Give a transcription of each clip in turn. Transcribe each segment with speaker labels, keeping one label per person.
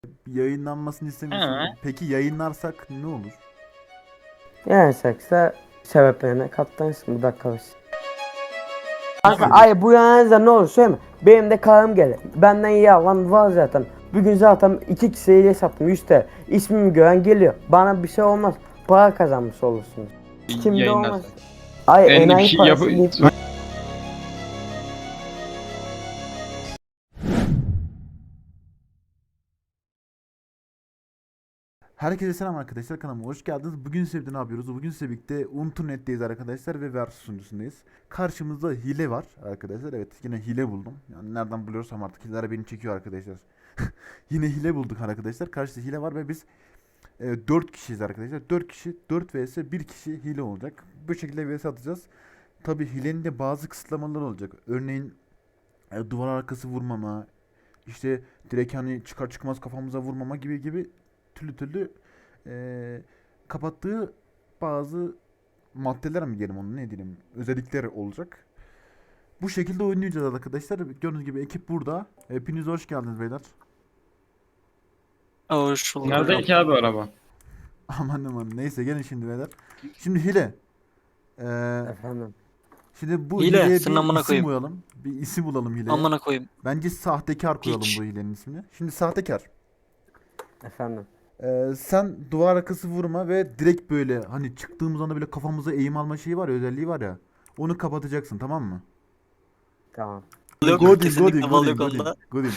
Speaker 1: Yayınlanmasını istemiyorsun.
Speaker 2: Ha.
Speaker 1: Peki yayınlarsak ne olur?
Speaker 3: Yani sekse sebeplerine katlanırsın bu dakika başı. Kanka ay bu yanınızda ne olur söyleme. Benim de karım gelir. Benden iyi alan var zaten. Bugün zaten 2 kişiye sattım 100 TL. İsmimi gören geliyor. Bana bir şey olmaz. Para kazanmış olursunuz. Kimde
Speaker 2: Yayınlarsın.
Speaker 3: olmaz. Ay
Speaker 2: Ben de bir
Speaker 3: enayi
Speaker 2: şey
Speaker 3: parası
Speaker 2: yapayım.
Speaker 3: deyip-
Speaker 1: Herkese selam arkadaşlar, kanalıma hoş geldiniz. Bugün size ne yapıyoruz? Bugün size birlikte Unturnet'teyiz arkadaşlar ve Versus sunucusundayız. Karşımızda hile var arkadaşlar. Evet, yine hile buldum. Yani nereden buluyorsam artık hileler beni çekiyor arkadaşlar. Yine hile bulduk arkadaşlar. Karşıda hile var ve biz 4 kişiyiz arkadaşlar. 4 kişi 4 vs 1 kişi hile olacak. Bu şekilde vs atacağız. Tabi hilenin de bazı kısıtlamaları olacak. Örneğin duvar arkası vurmama, işte direkt hani çıkar çıkmaz kafamıza vurmama gibi türlü kapattığı bazı maddeler mi diyelim, onu ne diyelim, özellikler olacak. Bu şekilde oynayacağız arkadaşlar. Gördüğünüz gibi ekip burada. Hepiniz hoş geldiniz beyler.
Speaker 4: Hoş bulduk.
Speaker 2: Nerede ki abi araba?
Speaker 1: Aman aman, neyse gelin şimdi beyler. Şimdi hile.
Speaker 3: Efendim.
Speaker 1: Şimdi bu
Speaker 4: Hile,
Speaker 1: hileye
Speaker 4: senin
Speaker 1: bir
Speaker 4: amına
Speaker 1: isim
Speaker 4: koyayım.
Speaker 1: koyalım. Bir isim bulalım hileye.
Speaker 4: Amına koyayım.
Speaker 1: Bence sahtekar koyalım
Speaker 4: Piç.
Speaker 1: bu hilenin ismini. Şimdi sahtekar.
Speaker 3: Efendim.
Speaker 1: Sen duvar arkası vurma ve direkt böyle hani çıktığımız anda böyle kafamıza eğim alma şeyi var ya, özelliği var ya. Onu kapatacaksın, tamam mı?
Speaker 3: Tamam.
Speaker 4: Yok, kesinlikle bal yok onda.
Speaker 1: Godin.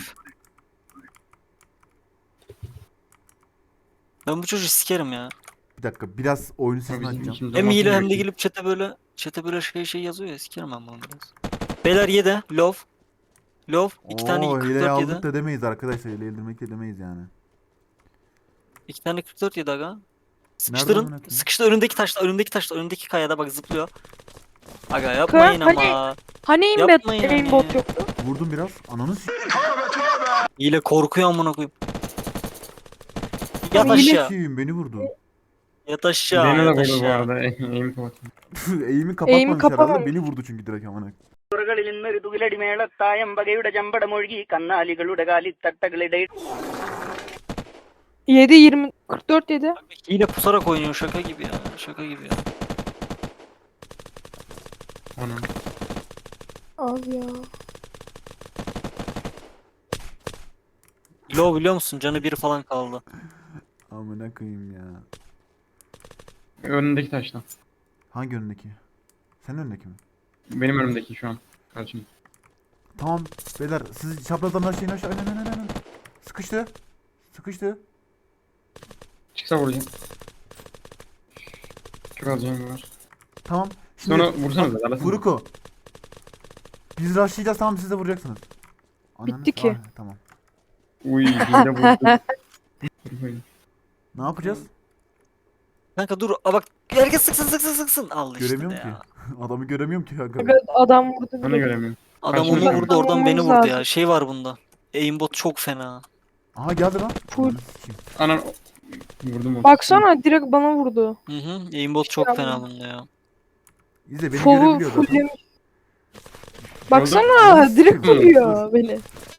Speaker 4: Ben bu çocuğu sikerim ya.
Speaker 1: Bir dakika, biraz oyunu sesini
Speaker 2: Bizim
Speaker 1: açacağım.
Speaker 2: ikimiz
Speaker 4: Hem
Speaker 2: olmasın
Speaker 4: hile hem de
Speaker 2: bekliyorum.
Speaker 4: gelip chat'e böyle şey yazıyor ya, sikerim ben bunu biraz. Beyler yedi. Love. Love. 2 tane
Speaker 1: Oo, hileyi
Speaker 4: 44
Speaker 1: aldık
Speaker 4: yedi.
Speaker 1: da demeyiz arkadaşlar. Hileyi indirmek de demeyiz yani.
Speaker 4: 2 tane 44 yedi aga.
Speaker 1: amına
Speaker 4: Sıkıştırın.
Speaker 1: koyayım?
Speaker 4: Sıkıştır önündeki kayada bak zıplıyor. Aga yapmayın
Speaker 5: Hani-
Speaker 4: ama.
Speaker 5: Hani
Speaker 4: Yapmayın yani.
Speaker 5: aimbot yoktu?
Speaker 1: Vurdum biraz. Ananı
Speaker 4: Hile korkuyor amına koyayım. Yat
Speaker 5: Ama hile-
Speaker 4: aşağı.
Speaker 1: s**eyim, beni vurdu.
Speaker 4: Yat aşağı.
Speaker 2: Beni de
Speaker 4: Yat
Speaker 2: vurdu bu
Speaker 4: aşağı.
Speaker 2: arada. Eğim kapatın.
Speaker 1: Eğimi kapatmamış herhalde.
Speaker 5: kapamamış.
Speaker 1: Beni vurdu çünkü direkt amına.
Speaker 6: ുകളിൽ നിന്നൊരു തുകിലടി മേളത്തായമ്പകയുടെ ചമ്പടമൊഴുകി കന്നാലികളുടെ കാലിത്തട്ടകളിടെ
Speaker 5: 7 20 44 7.
Speaker 4: Hile pusarak oynuyor, şaka gibi ya. Şaka gibi ya.
Speaker 2: Onun.
Speaker 5: Abi ya.
Speaker 4: Low biliyor musun? Canı biri falan kaldı.
Speaker 1: Amına koyayım ya.
Speaker 2: Önündeki taşla.
Speaker 1: Hangi önündeki? Senin önündeki mi?
Speaker 2: Benim önümdeki şu an. Karşım.
Speaker 1: Tamam beyler, siz çaprazdan her şeyin aşağı. Aynen. Sıkıştı. Sıkıştı.
Speaker 2: Çıksa vuracağım. Çok az canım var.
Speaker 1: Tamam. Şimdi
Speaker 2: Sonra vursanıza. Alasana.
Speaker 1: Furuko. Biz rushlayacağız, tamam, siz de vuracaksınız.
Speaker 5: Bitti ki.
Speaker 1: Tamam.
Speaker 2: Uy hile vurdu.
Speaker 1: Ne yapacağız?
Speaker 4: Kanka dur, bak herkes sıksın. Al işte
Speaker 1: Göremiyorum
Speaker 4: ya.
Speaker 1: ki. Adamı göremiyorum ki kanka.
Speaker 5: Aga adam vurdu.
Speaker 2: Ben de
Speaker 5: bile.
Speaker 2: göremiyorum.
Speaker 4: Adam
Speaker 2: Karşımda
Speaker 4: onu
Speaker 2: mı?
Speaker 4: vurdu, oradan beni
Speaker 5: Vurmamız
Speaker 4: vurdu ya.
Speaker 5: lazım.
Speaker 4: Şey var bunda. Aimbot çok fena.
Speaker 1: Aha geldi lan.
Speaker 5: Full.
Speaker 1: Ananı sikeyim.
Speaker 2: Anan vurdum onu.
Speaker 5: Baksana direkt bana vurdu.
Speaker 4: Hı. Aimbot çok fena bunda ya.
Speaker 1: İzle, beni
Speaker 5: Fovu
Speaker 1: görebiliyor zaten.
Speaker 5: fulllemiş. Baksana direkt
Speaker 2: Dur,
Speaker 5: vuruyor beni.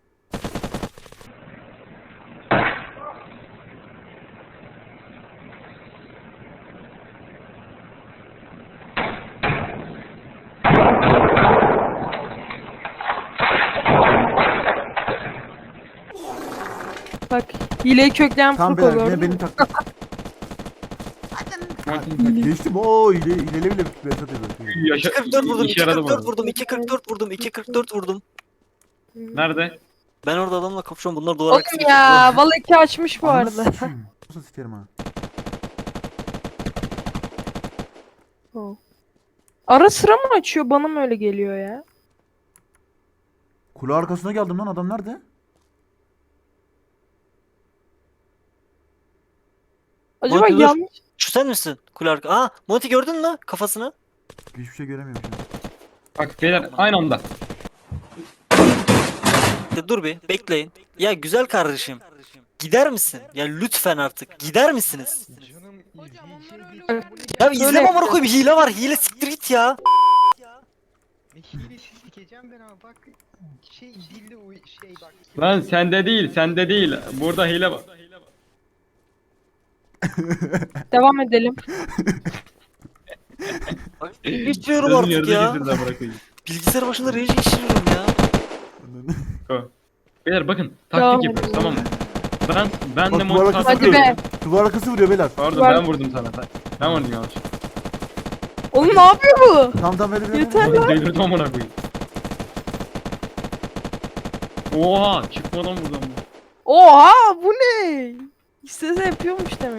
Speaker 5: Bak hileyi kökleyen
Speaker 1: Tamam
Speaker 5: Furko
Speaker 1: beyler, yine
Speaker 5: gördün mü?
Speaker 1: beni taktı. Geçtim. Oo, hileli bile Behzat ediyor.
Speaker 2: Yaşa,
Speaker 4: 44 vurdum,
Speaker 2: işe yaradı
Speaker 4: 244
Speaker 2: bana.
Speaker 4: vurdum, 244 vurdum, 244 vurdum.
Speaker 2: Nerede?
Speaker 4: Ben orada adamla kapışıyorum. Bunlar duvar arkası
Speaker 5: Oğlum ya vallahi açmış bu
Speaker 1: Ananı
Speaker 5: arada.
Speaker 1: sikeyim. Nasıl sikerim ha?
Speaker 5: Ara sıra mı açıyor, bana mı öyle geliyor ya?
Speaker 1: Kule arkasına geldim lan, adam nerede?
Speaker 5: Acaba
Speaker 4: Monty dur.
Speaker 5: yanlış.
Speaker 4: Şu sen misin? Kule arka. Aa, Monty gördün mü kafasını?
Speaker 1: Hiçbir şey göremiyorum şu an.
Speaker 2: Bak beyler aynı anda.
Speaker 4: Dur bir bekleyin. Ya güzel kardeşim. Gider misin? Ya lütfen artık. Gider misiniz? Ya izleme amına koyayım, hile var. Hile, siktir git ya.
Speaker 7: Hilesiz sikeceğim ben ama bak dilde o şey bak.
Speaker 2: Lan sende değil. Burada hile var.
Speaker 5: Devam edelim.
Speaker 4: Geçiyorum
Speaker 2: Sözün
Speaker 4: artık
Speaker 2: yarıda
Speaker 4: ya.
Speaker 2: getirdi amına koyayım.
Speaker 4: Bilgisayar başında rage geçiriyorum ya.
Speaker 2: Beyler bakın
Speaker 5: Devam
Speaker 2: taktik yapıyoruz
Speaker 5: edelim.
Speaker 2: tamam mı? Ben
Speaker 1: Bak,
Speaker 2: de
Speaker 1: bu arada
Speaker 2: montaj
Speaker 5: Hadi
Speaker 2: yapıyorum.
Speaker 5: be.
Speaker 1: Duvar arkası vuruyor beyler.
Speaker 2: Pardon
Speaker 5: Var-
Speaker 2: ben vurdum sana. Ben vurdum yanlış.
Speaker 5: Oğlum ne yapıyor bu?
Speaker 1: Tamam verin.
Speaker 5: Yeter.
Speaker 2: Oğlum delirdim amına koyayım. Oha çıkmadan vurdum.
Speaker 5: Oha bu ne? İstese yapıyormuş demek.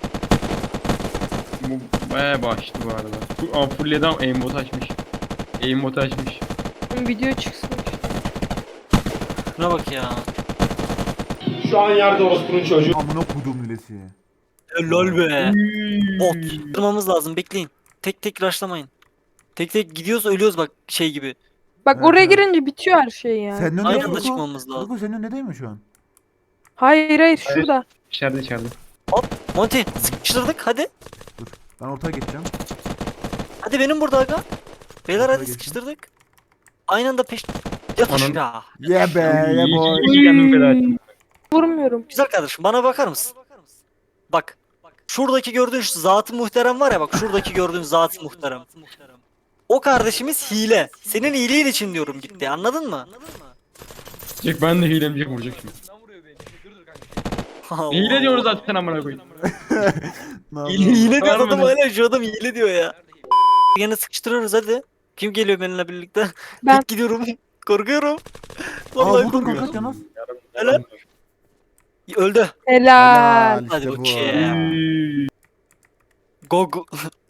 Speaker 2: Bu bayağı başlı bu arada. Full adam aimbot açmış. Aimbot açmış.
Speaker 5: Oğlum video çıksın.
Speaker 4: Şuna bak ya.
Speaker 7: Şu an yerde orospunun çocuğu.
Speaker 1: Amına kodum lilesi.
Speaker 4: Lol be. Bot. Durmamız lazım bekleyin. Tek tek rushlamayın. Tek tek gidiyoruz ölüyoruz bak şey gibi.
Speaker 5: Bak
Speaker 1: Evet,
Speaker 5: oraya
Speaker 1: evet.
Speaker 5: girince bitiyor her şey yani.
Speaker 1: Senin önünde
Speaker 4: Aynı
Speaker 1: mi
Speaker 4: anda
Speaker 1: Ruko?
Speaker 4: çıkmamız lazım.
Speaker 1: Ruko senin önünde değil mi şu an?
Speaker 5: Hayır şurada.
Speaker 2: İçeride.
Speaker 4: Monty sıkıştırdık hadi.
Speaker 1: Ben ortaya geçeceğim.
Speaker 4: Hadi benim burada aga. Beyler
Speaker 1: Ortaya
Speaker 4: hadi
Speaker 1: geçin.
Speaker 4: sıkıştırdık. Aynı anda peş... Yatış
Speaker 2: Anam.
Speaker 4: ya.
Speaker 1: Yeah be yeah boy.
Speaker 2: İyi kendimi feda ettim.
Speaker 5: Vurmuyorum.
Speaker 4: Güzel kardeşim bana bakar mısın? Bak. Şuradaki gördüğün şu zat-ı muhterem var ya bak şuradaki gördüğün zat-ı muhterem. O kardeşimiz hile. Senin iyiliğin için diyorum gitti anladın mı?
Speaker 2: Çık ben de hilemci vuracak şimdi.
Speaker 4: Allah.
Speaker 2: Hile diyoruz zaten amına koyayım.
Speaker 1: Ne
Speaker 4: Hile,
Speaker 1: yapıyorsun?
Speaker 4: hile diyor
Speaker 2: Var mı
Speaker 4: adam
Speaker 2: ne?
Speaker 4: hala şu adam hile diyor ya. Yine sıkıştırıyoruz hadi. Kim geliyor benimle birlikte?
Speaker 5: Ben.
Speaker 4: Tek gidiyorum. Korkuyorum.
Speaker 1: Aa
Speaker 4: Vallahi
Speaker 1: vurdum
Speaker 4: korkuyorum.
Speaker 1: kanka Canas.
Speaker 4: Helal. Öldü.
Speaker 5: Helal.
Speaker 1: işte
Speaker 4: Hadi
Speaker 1: bu.
Speaker 4: bakayım. Go go.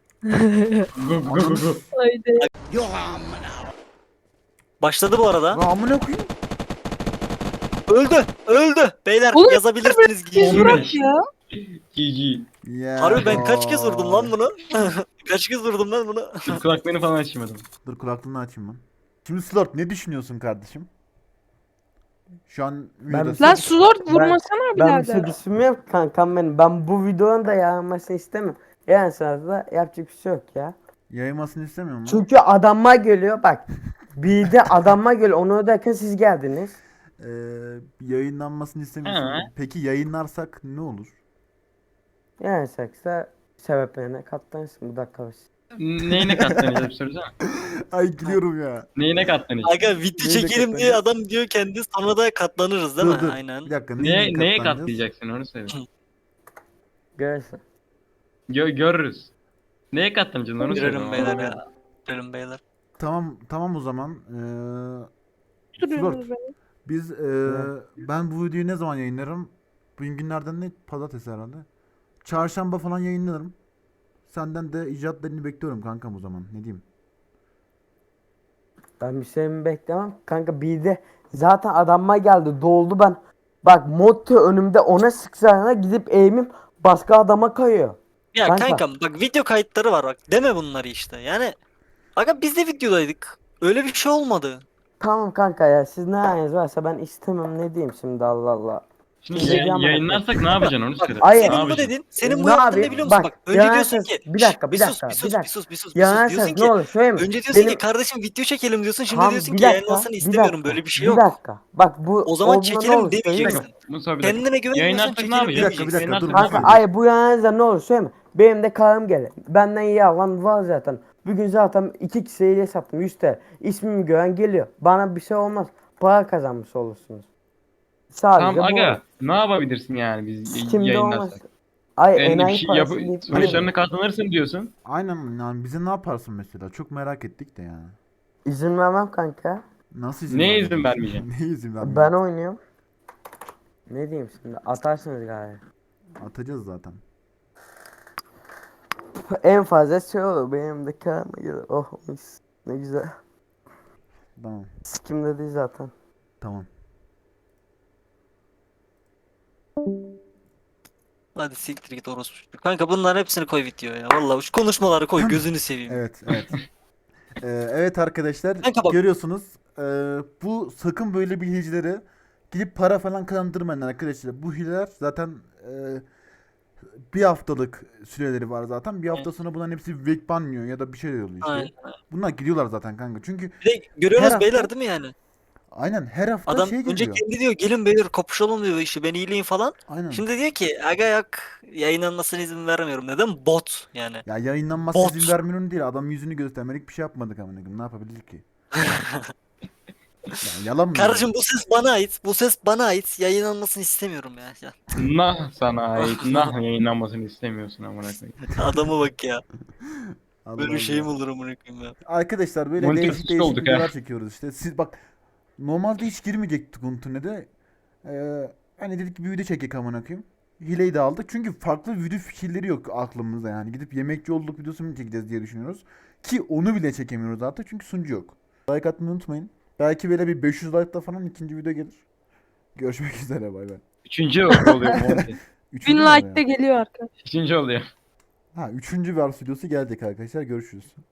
Speaker 2: Go.
Speaker 5: Haydi.
Speaker 4: Başladı bu arada.
Speaker 1: Lan amına koyayım.
Speaker 4: Öldü. Beyler
Speaker 5: Oğlum,
Speaker 4: yazabilirsiniz.
Speaker 5: Biz
Speaker 2: Oğlum,
Speaker 5: bırak ya.
Speaker 2: GG.
Speaker 1: Yeah
Speaker 4: Harbi ben kaç kez vurdum lan
Speaker 1: boy.
Speaker 4: bunu? Kaç kez vurdum lan bunu?
Speaker 2: Dur kulaklarını falan açmadım.
Speaker 1: Dur kulaklığını açayım ben. Şimdi Slort ne düşünüyorsun kardeşim? Şu an videodasın.
Speaker 5: Lan Slord vurmasana
Speaker 3: Ben bir şey
Speaker 5: birader.
Speaker 3: düşünmüyorum kankam benim. Ben bu videonun da yayılmasını istemiyorum. Yani sırada yapacak bir şey yok ya.
Speaker 1: Yayılmasını istemiyor musun?
Speaker 3: Çünkü adamma geliyor bak. Bir de adamma geliyor. Onu öderken siz geldiniz.
Speaker 1: Yayınlanmasını istemiyorsun.
Speaker 2: He.
Speaker 1: Peki yayınlarsak ne olur?
Speaker 3: Yani saksa sebeplerine katlanırsın bu dakika başı.
Speaker 2: Neyine katlanacağız bir sorsana.
Speaker 1: Ay gülüyorum ya.
Speaker 2: Neyine katlanacağız?
Speaker 4: Aga video
Speaker 1: Neyle
Speaker 4: çekelim diye adam diyor kendi sonra da katlanırız değil mi?
Speaker 1: Dur.
Speaker 4: Aynen.
Speaker 1: Bir dakika.
Speaker 2: Neye
Speaker 1: katlanacağız?
Speaker 2: katlayacaksın onu söyle.
Speaker 3: Görürsün.
Speaker 2: Görürüz. Neye katlanacaksın onu söyle.
Speaker 4: Görelim beyler ya. Görelim beyler.
Speaker 1: Tamam o zaman.
Speaker 5: Duruyorsunuz beni.
Speaker 1: Biz ben bu videoyu ne zaman yayınlarım? Bugün günlerden ne? Pazartesi herhalde. Çarşamba falan yayınlarım. Senden de icatlarını bekliyorum kankam o zaman. Ne diyeyim?
Speaker 3: Ben bir şey mi beklemem? Kanka bir de zaten adamma geldi. Doldu ben. Bak Motti önümde ona sıksana gidip eğimim başka adama kayıyor.
Speaker 4: Ya
Speaker 3: Kanka.
Speaker 4: kankam bak video kayıtları var bak deme bunları işte yani. Aga biz de videodaydık. Öyle bir şey olmadı.
Speaker 3: Tamam kanka ya siz ne haliniz varsa ben istemem ne diyeyim şimdi Allah Allah.
Speaker 2: Şimdi
Speaker 3: Yayın-
Speaker 2: yayınlarsak ne yapacaksın onu söyle.
Speaker 3: Ay-
Speaker 2: Ne
Speaker 4: Senin bu
Speaker 2: yapacaksın?
Speaker 4: dedin. Senin bu
Speaker 3: Ne
Speaker 4: yaptığın
Speaker 3: yapayım?
Speaker 4: ne biliyor musun?
Speaker 3: Bak,
Speaker 4: Bak önce diyorsun
Speaker 3: yanarsanız-
Speaker 4: ki.
Speaker 3: bir dakika,
Speaker 4: "Şşş,
Speaker 3: bir dakika,
Speaker 4: sus,
Speaker 3: bir dakika.
Speaker 4: sus.
Speaker 3: Yanarsanız
Speaker 4: Diyorsun
Speaker 3: ne
Speaker 4: ki.
Speaker 3: olur söyleyeyim mi?
Speaker 4: Önce diyorsun
Speaker 3: Benim-
Speaker 4: ki kardeşim video çekelim diyorsun. Şimdi
Speaker 3: Tamam,
Speaker 4: diyorsun
Speaker 3: bir
Speaker 4: ki
Speaker 3: dakika,
Speaker 4: yayınlansın
Speaker 3: bir
Speaker 4: istemiyorum.
Speaker 3: dakika,
Speaker 4: Böyle bir şey
Speaker 3: Bir
Speaker 4: yok.
Speaker 3: dakika. Bak bu
Speaker 4: O zaman
Speaker 3: olduğunda ne
Speaker 4: çekelim
Speaker 3: olur söyleyeyim mi?
Speaker 4: demeyeceksin.
Speaker 2: Musa bir dakika.
Speaker 4: Kendine güvenmiyorsan
Speaker 2: Yayınlarsak ne
Speaker 4: çekelim
Speaker 2: yapacağız?
Speaker 1: Bir dakika, dur.
Speaker 2: Yayınlarsak
Speaker 3: Kanka ay bu yanınızda ne olur söyleyeyim mi? Benim de karım gelir. Benden iyi alan var zaten. Bugün zaten 2 kişiyle sattım 100 TL. İsmimi gören geliyor. Bana bir şey olmaz. Para kazanmış olursunuz. Sadece
Speaker 2: Tamam
Speaker 3: bu
Speaker 2: aga
Speaker 3: olur.
Speaker 2: ne yapabilirsin yani biz
Speaker 3: Kimde olmaz.
Speaker 2: yayınlarsak?
Speaker 3: Ay
Speaker 2: Yani bir
Speaker 3: enayi
Speaker 2: şey
Speaker 3: parası deyip
Speaker 2: sonuçlarına katlanırsın diyorsun.
Speaker 1: Aynen yani bize ne yaparsın mesela? Çok merak ettik de yani.
Speaker 3: İzin vermem kanka.
Speaker 1: Nasıl izin
Speaker 2: Neye
Speaker 1: vermeyeceksin?
Speaker 2: izin vermeyeceksin?
Speaker 1: Neye izin vermeyeceksin?
Speaker 3: Ben oynuyorum. Ne diyeyim şimdi? Atarsınız galiba.
Speaker 1: Atacağız zaten.
Speaker 3: En fazla şey olur. Benim de karıma gelir. Oh mis. Ne güzel.
Speaker 1: Tamam.
Speaker 3: Sikimde değil zaten.
Speaker 1: Tamam.
Speaker 4: Hadi siktir git orospu. Kanka bunların hepsini koy videoya ya. Vallahi şu konuşmaları koy gözünü seveyim.
Speaker 1: Evet. Evet arkadaşlar
Speaker 4: Kanka bak-
Speaker 1: görüyorsunuz. Bu sakın böyle bir hilecileri gidip para falan kazandırmayın arkadaşlar. Bu hileler zaten bir haftalık süreleri var zaten. Bir hafta sonra bunların hepsi vek banlıyor ya da bir şey oluyor işte.
Speaker 4: Aynen.
Speaker 1: Bunlar gidiyorlar zaten kanka. Çünkü
Speaker 4: Bir de görüyorsunuz
Speaker 1: Her
Speaker 4: beyler
Speaker 1: hafta-
Speaker 4: değil mi yani?
Speaker 1: Aynen her hafta
Speaker 4: Adam
Speaker 1: şey
Speaker 4: önce
Speaker 1: geliyor.
Speaker 4: kendi diyor gelin beyler kapışalım diyor işte ben iyileyim falan.
Speaker 1: Aynen.
Speaker 4: Şimdi diyor ki aga yok yayınlanmasına izin vermiyorum. Neden? Bot yani.
Speaker 1: Ya yayınlanması
Speaker 4: Bot.
Speaker 1: izin vermiyorum değil. Adam yüzünü göstermelik bir şey yapmadık amına koyayım. Ne yapabilir ki? Ya yalan mı?
Speaker 4: Kardeşim bu ses bana ait. Bu ses bana ait. Yayınlanmasını istemiyorum ya.
Speaker 2: Nah sana ait. Nah yayınlanmasını istemiyorsun amına koyayım.
Speaker 4: Adama bak ya.
Speaker 1: Allah
Speaker 4: Böyle
Speaker 1: Allah.
Speaker 4: şey mi olur amına koyayım ya.
Speaker 1: Arkadaşlar böyle
Speaker 2: Monitörsüz
Speaker 1: değişik değişik
Speaker 2: olduk ha.
Speaker 1: videolar çekiyoruz işte. Siz bak normalde hiç girmeyecektik Untune'de. Hani dedik bir video çekek amına koyayım. Hileyi de aldık. Çünkü farklı video fikirleri yok aklımızda yani. Gidip yemekçi olduk videosu mu çekeceğiz diye düşünüyoruz. Ki onu bile çekemiyoruz artık çünkü sunucu yok. Like atmayı unutmayın. Belki böyle bir 500 like'la falan ikinci video gelir. Görüşmek üzere bay bay.
Speaker 2: Üçüncü oluyor Monty.
Speaker 1: 1000
Speaker 5: 1000 like de geliyor arkadaşlar.
Speaker 2: Üçüncü oluyor.
Speaker 1: Ha, üçüncü vers videosu gelecek arkadaşlar. Görüşürüz.